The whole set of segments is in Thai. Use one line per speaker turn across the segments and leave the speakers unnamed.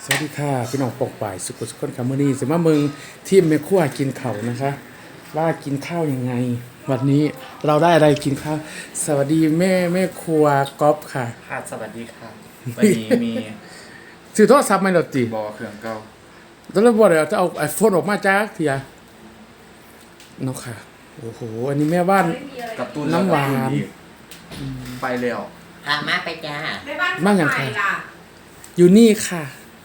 สวัสดีค่ะพี่น้องปกป่ายสุขุสุขคนคำมือนี้สิมาเมืองที่แม่ครัวกินข้าวนะคะว่ากินข้าวยังไงวันนี้เราได้อะไรกินข้าวสวัสดีแม่ครัวก๊อฟค่ะ
ค่ะสวัสดีค่ะวันนี้มี
ซื้อโทรศัพท์ไหมล่ะติ
บอเครื่องเก่า
ตอนแรกบอกเลยจะเอาไอโฟนออกมาจากเถียเนาะค่ะโอ้โหอันนี้แม่บ้าน
กับตุ้น
น้ำหวาน
ไปแล้ว
มาไปจ้า
ในบ้าน
บ้านอย่าง
ใค
ใค
ร
ร
ล่ะ
อยู่นี่ค่ะ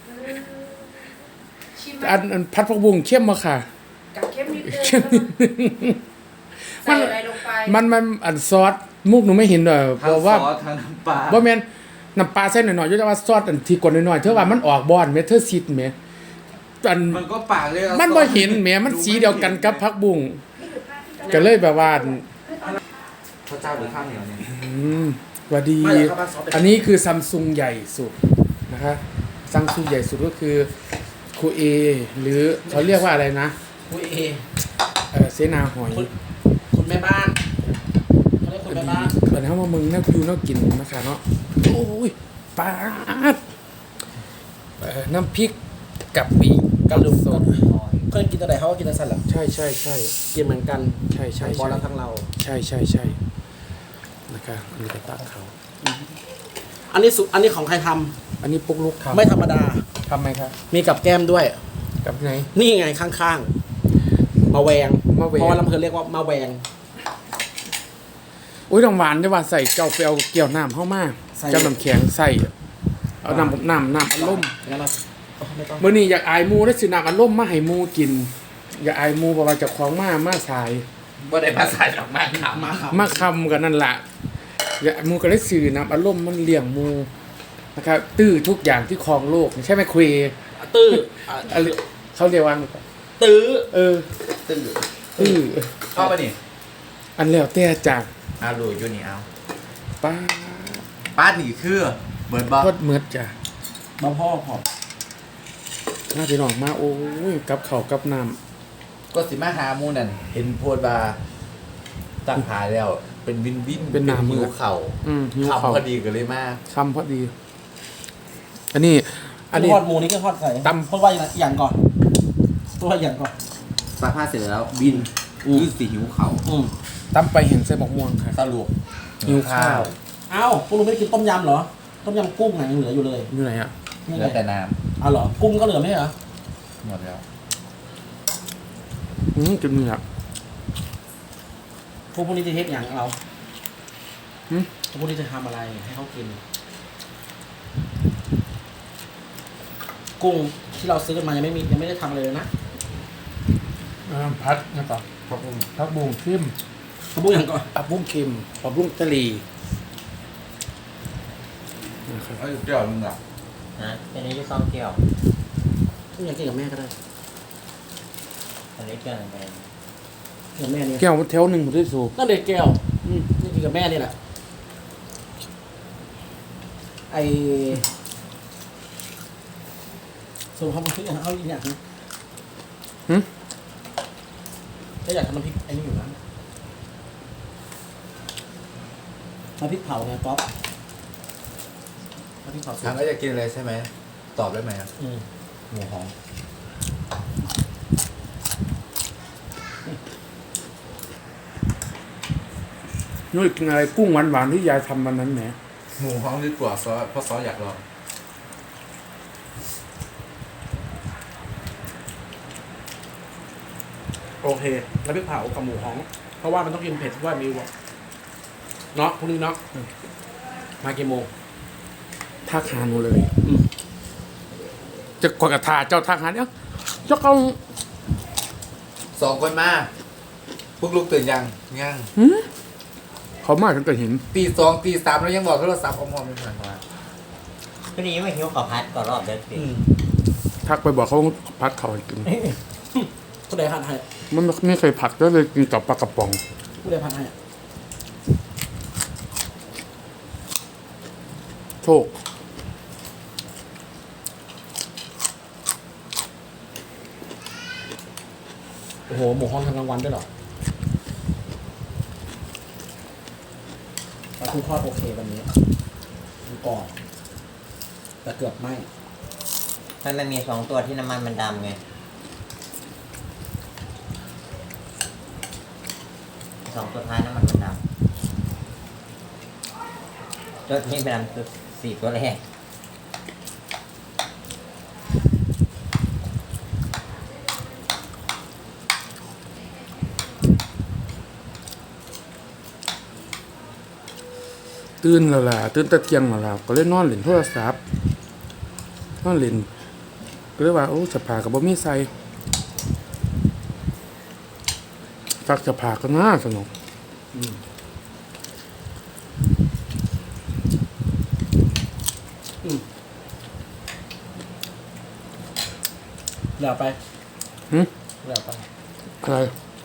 ชิมไหม
อันพัดผักบุ้งเข้มมาค่ะ
กับเข้มนิดนึง
เข้มนิดนึง
ใส่อะไรลงไป
มันอันซอสมุกหนูไม่เห็นเลยเพ
ทั้ง
ราะ
ซ
ว่า
อสทั้งน้ำปลา
บ่แม่นน้ำปลาใส่หน่อยๆอยู่แต่ว่าซอสอันที่กดหน่อยๆเธอว่ามันออกบ่อนแม่เธอซิดแม่อัน
มันก็ปากเลย
มันบ่เห็นแม่มันสีเดียวกันกับผักบุ้งก็เลยแบบว่า
พระเจ้าหรือข้าวเหนียวเนี่ย
สวัสดี อันนี้คือซัมซุงใหญ่สุดนะคะซัมซุงใหญ่สุดก็คือคูเอหรือเขาเรียกว่าอะไรนะ
คุยเอ
เสนาหอย
คุณแม่บ้านเขาเรียกคุณแม่บ้าน
ตอนนี้ว่ามึงน่าดูน่ากินนะคะเนาะโอ้ยปาดน้ำพริกกะปิกะสด
เคยกินตัวไหนเขาก็กินตัวสั่นแหละ
ใช่ใช่ใช่
กินเหมือนกัน
ใช่ใช่
บอล
ใช่
แล้วทั้งเรา
ใช่ใช่ใช่นะคะมีกระตักเขา
อันนี้ของใครท
อันนี้ปุ๊กลุก
ำ
ทำ
ไม่ธรรมดา
ทำไหมครับ
มีกับแก้มด้วย
กับไหน
นี่ไงข้างๆมาแวง
มะแวง
เพราะว่าลำเพลินเรียกว่ามาแวง
อุ้ยน้ำหวานได้ว่าใส่เจ้าไปเอาเกี่ยวน้ำเข้ามา
ใส่
เจ้าน้ำแข็งใส่เอาน้ำอัดลม
งั้นเราไม่ต้อง
มื่อนี้อยากอายหมูได้สิน้ำอัดลมมาให้หมูกิน อยากอายหมูบอกว่าเจะคล้าของมาสาย
บ่ได้ภาษาดอกไม้ครับ
มาครับ
มาคำกันนั่นแหละอยากหมูก็เลยสื่อน้ำอัดลมมันเลี้ยงหมูนะครับตื้อทุกอย่างที่ครองโลกใช่ไหมคุย
ตื้ออ่ะ
อะไรเขาเรียกว่า
ตื้อ
เออ
ตื้อ
ตื้อ
เข้าไปนี่
อันแล้วแต่จาก
อาลูอยู่นี่เอา
ป้า
ป้าหนีคือเบิร์ดบอก
ทอดเมือดจ้ะ
มาพ่อขอบ
น่าไปหนองมาโอ้ยกับเขาวกับน้
ก็สิมาหาหมูนั่นเห็นโพดบาตั้งหาแล้ว เป็นวินวิน
ำเป็นน้ำมื
หิ
อ
วเข่า
หิวเขา
คำพอดีกันเลยมาก
คำพอดี อันนี้ อันนี้
ทอดหมูนี่ก็ทอดใส่
ตำ
เพราะว่าอย่างก่อนเพราะว่าอย่างก่อน
ซักผ้าเสร็จแล้วบินคือสีหิวเข่า
ตำไปเห็นใส่หมกม่วงค่ะ
สรุป
หิวข้าว
เอ้าพวกลุงไม่ได้กินต้มยำเหรอ ต้มยำกุ้งไงยังเหลืออยู่เลย
อยู่ไหนอ่ะ
นี่
เห
ไง
ลือแต่น้
เอาเหรอ กุ้งก็เหลือไม่ใช่เหรอ
ำหมดแล้ว
จุดนี้อ่ะ
พวกนี้จะเทสอย่างเรา
หืม
พวกนี้จะทำอะไรให้เขากิน กุ้งที่เราซื้อกันมายังไม่ได้ทำอะไรเลยนะ
พัดนะครับผักบุ้งเข้ม
เขาพูดอย่างก่อน
ผักบุ้งเค็มผักบุ้งทะเลนะครับ
เอ้ยเดี๋ยวมึงอ่ะ
นะอันนี้จะซ่อมเกี่ยว
พูดอย่างกินกับแม่ก็ได้
อันนี้เกี่ยวอะไร
กินกับแม่เนี่ย
แก้วแถวหนึ่งผมได้สูบ
นั่นเด็กแก้วนี่กินกับแม่นี่แหละไอส่วนความคิดอย่างเอาอีกอย่างนึงก็อยากทำน้ำพริกไอ้นี่อยู่นะน้ำพริกเผาไงป๊อปน้ำพริกเผา
ถามว่าจะกินอะไรใช่ไหม ตอบได้ไหมครับ
อืม
หมูหอม
นุ้ยกินอะไรกุ้งหวานๆที่ยายทำวันนั้นแหม
หมูหอมดีกว่าซอสเพราะซอสอยากลอง
โอเคน้ำพริกเผากับหมูฮ้อง เพราะว่ามันต้องกินเผ็ดด้วยมิวบอกเนาะพรุ่งนี้เนาะมากี่โมง
ทักหาหนูเลยจะกดกระทาเจ้าทักหาเนี่ยเจ้าเขา
สองคนมาพวกลูกตื่นยัง
เขามาตั้งแต่เห็น
ตีสองตีสามแล้วยังบอกโทรศัพท์อมๆอยู่เหมือนกัน
ก็นี้ไม่หิวข้าวพัดก่อนรอบเดือนสิ
ทักไปบอกเขาพัดเขาให้กิน
ผู้ใดพันให้
มันไม่เคยผัดก็เลยกินกับปลากระป๋อง
ผู้ใดพันให้
โชค
โอ้โหหมูฮ้องทำกลางวันด้วยเหรอปลาทูทอดโอเควันนี้มันกรอบแต่เกือบไหม้
มันมี2 ตัวที่น้ำมันมันดำไง2 ตัวท้ายน้ำมันมันดำตัวนี้เป็นดำตัว4 ตัวแรก
ตื่นแล้วล่ะตื่นแตะเที่ยงแล้วล่ะก็เลยนอนเล่นโทรศัพท์นอนเล่นก็เลยว่าโอ้สภากับบ่มีใส่ซักสภาก็น่าสนุก
เหลือไป
หึ
เหลือไป
อะไร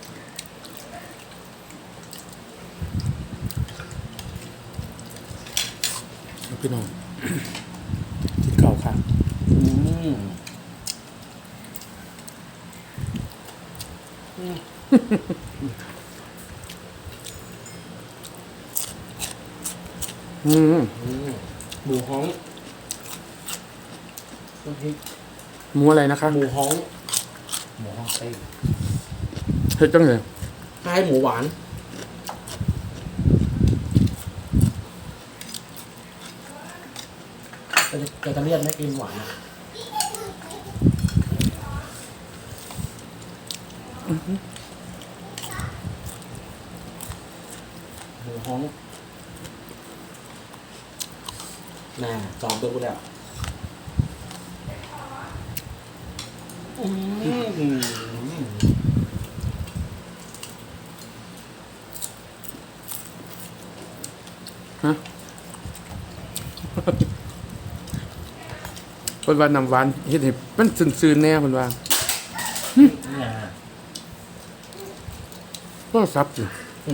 พี่น้อง กินข้าวค่ะ อืม
หมูฮ้องน้ำพริก
หมูอะไรนะคะ
หมูฮ้อง
หมูห้องเต้
เฮ็ดจังเลย
คล้ายหมูหวานแต่จะเรียกไม่กินหวานอะหมูฮ้องน่าจอมตัวกูแล้ว
ฮะ เพิ่นว่าน้ำหวานเฮ็ดให้มันซื่นๆแน่เพิ่นว่า
นี่นะ
โทรศัพท์สิ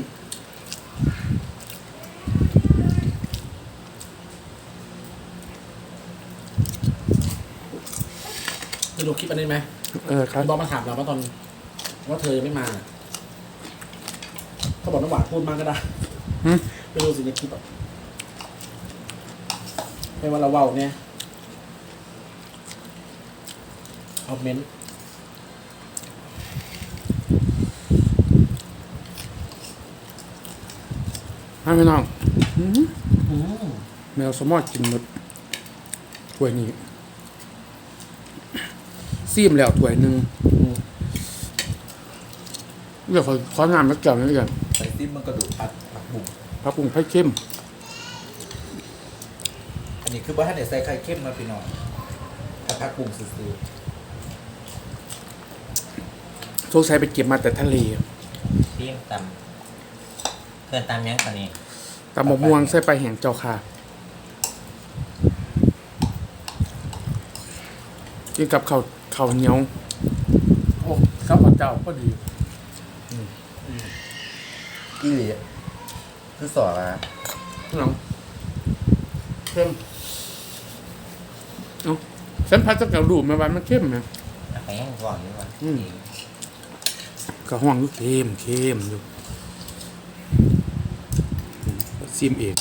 จะดูคลิปอันนี้ไหม
ครับ
บอสมาถามเราว่าตอนว่าเธอยังไม่มาเขาบอกน้ำหวานพูดมากก็ได้
หึ
ไปดูสิในคลิปแบบให้ว่าเราเว้าเนี่ยคอมเมนต์
ให้พี่น้องแมวสมอดกินหมดถ้วยนี้ซีมแล้วถ้วยหนึงเดี๋ยวขอน้ำแล้วแก้วนึงกัน
ใส่ซิมมันกระดูกผักบุ้ง
ปลาปรุงไผ่เข้ม
อันนี้คือว่าถ้าเนี่ยใส่ไข่เข้มมาพี่น้องถ้าผักบุ้งซื่อ
โชคชัยไปเก็บมาแต่ทะเล
ซีมตำเกินตำยังตอนนี้
ตำมะม่วงใส่ไปแห่งเจ้าค่ะกินกับข้าวเหนียวโอ้ข้าวผัดเจ้าก็ดี
ๆอีหลีคือสอละ
น้องเข้มเอ้าฉันพัดจะกระดูกมาวันมันเข้มไหม
เอาไปยังก่อนดีกว่า
ก็ห้องอยู่เข้มอยู่ซิมเอง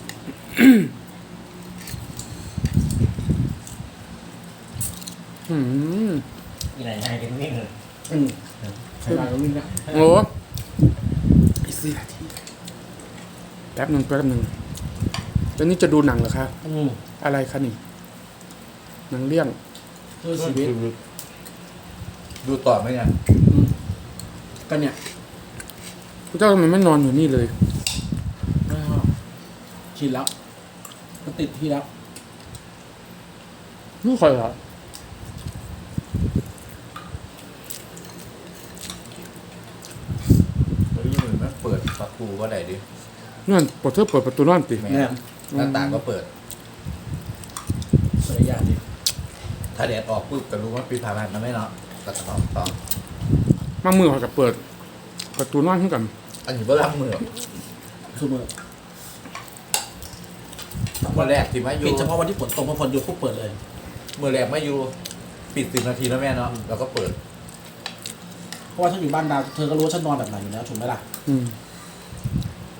อืม
อีไหนนายเป็นวิ่งเลย
ใครมาก็วิ่งนะ
โอ้อีก4 นาทีแป๊บหนึ่งตอนนี้จะดูหนังเหรอคะอะไรคะนี่หนังเรื่อง
เพื่อชีวิต
ดูต่อไหมเนี่ย
ก็เนี่ย
พระเจ้าทำไมไม่นอนอยู่นี่เลย
ชินแล้วมันติดที่แล้ว
ไม่ค่อยเหรอ
เฮ้ยมือมันเปิดประตูก็ได้ดิ
นั่นปดเธอเปิดประตูนอนติ
แม่หน้าต่างก็เปิด
ภรรยาดิ
ถ้าแดดออกปุ๊บก็รู้ว่าปีผ่านมาไม่เนาะก็จะต้องต่อ
มามือเขาจะเปิดประตูนอนให้กัน
อันนี้ว่ารับมือ
คือมือ
วันแรกที่มาอยู่
ปิดเฉพาะวันที่ฝนตกพอฝนหยุดปุ๊บเปิดเลย
มือแรกมาอยู่ปิด10 นาทีแล้วแม่เนาะแล้วก็เปิด
เพราะว่าฉันอยู่บ้านดาวเธอก็รู้ว่าฉันนอนแบบไหนอยู่แล้วถูกไหมล่ะ
อืม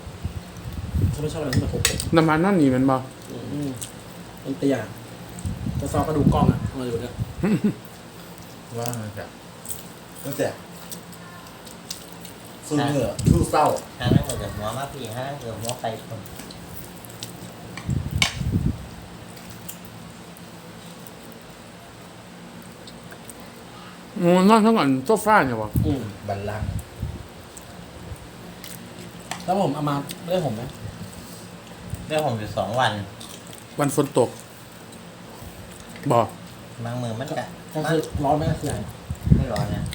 ฉันไม่ชอบอะไรที่มันโผล่
น้ำมันนั่นนี่แมันบ่
มันเตี้ยจะซอกกระดูกกล้องอ่ะมาอยู่เนี่ย
ว่าไงครับตั้งแต่สู้เหงื่อสู้เศร้า
ห้านั่งเกือบหัวมาพี่ห้านั่งเกือบหัวไปคน
นอนทั้งวันโซฟาเนี่ยวะ
บัลลังก์
แล้วผมเอามาเรื่องผมไหม
เรื่องผมอยู่2 วัน
วันฝนตกบอก
บางมือมันกะ
ก็คือร้อนไหมก็คือ
ไม่ร้อนนะ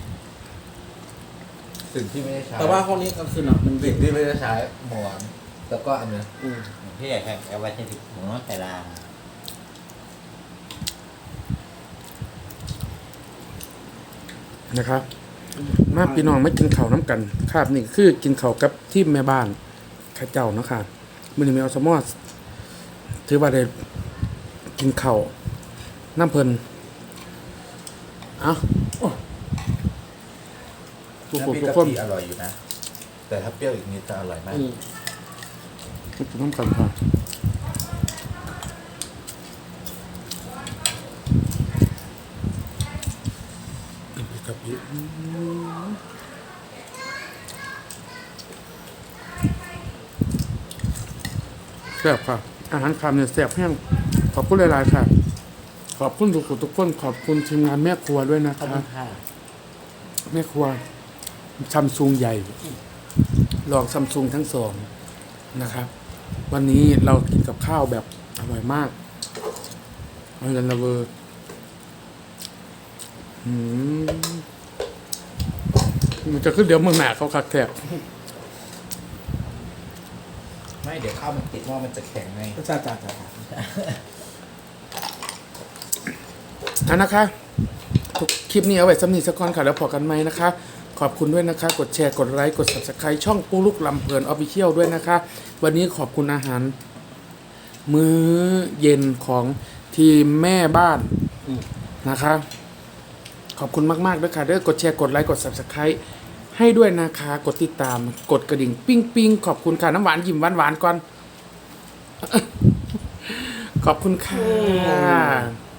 สิ่งที่ไม่ได้ใช้
แต่ว่าห้องนี้ก็คือเนาะมันเย็
สิ่
น
งที่ไม่ได้ใช้หมอนแล้วก็อันเนี้ย
พี่อยากเอาไว้ที่ผมว่าแต่ลาง
นะครับ มาพี่น้องไม่กินข้าวน้ำกันครับนี่คือกินข้าวกับที่แม่บ้านข้าเจ้าเนาะค่ะมื้อนี้แมวสมอสถือว่าได้กินข้าวน้ำเพลินเอ้าทุกคน
น้ำพริ
ทุ
ก
ก
กะ
คน
ทิอร่อยอยู่นะ แต่ถ้าเปรี้ยวอีกนิดจะอร่อยมาก
กินน้ำกันค่ะกับพี่แซ่บค่ะ อาหารคำเนี่ยแซ่บแห้งขอบคุณหลายๆค่ะ ขอบคุณทุกคนขอบคุณทีมงานแม่ครัวด้วยนะ
ขอบ
คะ
คุณค่ะ
แม่ครัวซัมซุงใหญ่ ลองซัมซุงทั้งสองนะครับ วันนี้เรากินกับข้าวแบบอร่อยมากอร่อยละเวอร์มันจะขึ้นเดี๋ยวเมืองหนาเขาคักแทบ
ไม่เดี๋ยวข้าวมันติดว่ามันจะแข็งไง
จ้า
นะคะทุกคลิปนี้เอาไว้สำนีสักก่อนค่ะแล้วพอกันไหมนะคะ ขอบคุณด้วยนะคะ กดแชร์กดไลค์กด subscribe ช่องปูลูกลำเพลินออฟฟิเชียลด้วยนะคะ วันนี้ขอบคุณอาหาร มื้อเย็นของทีมแม่บ้านนะคะ ขอบคุณมากๆด้วยค่ะเด้อกดแชร์กดไลค์กด subscribe ให้ด้วยนะคะ กดติดตามกดกระดิ่งปิ้งปิ้งขอบคุณค่ะน้ำหวานยิ้มหวานๆก่อน ขอบคุณค่ะ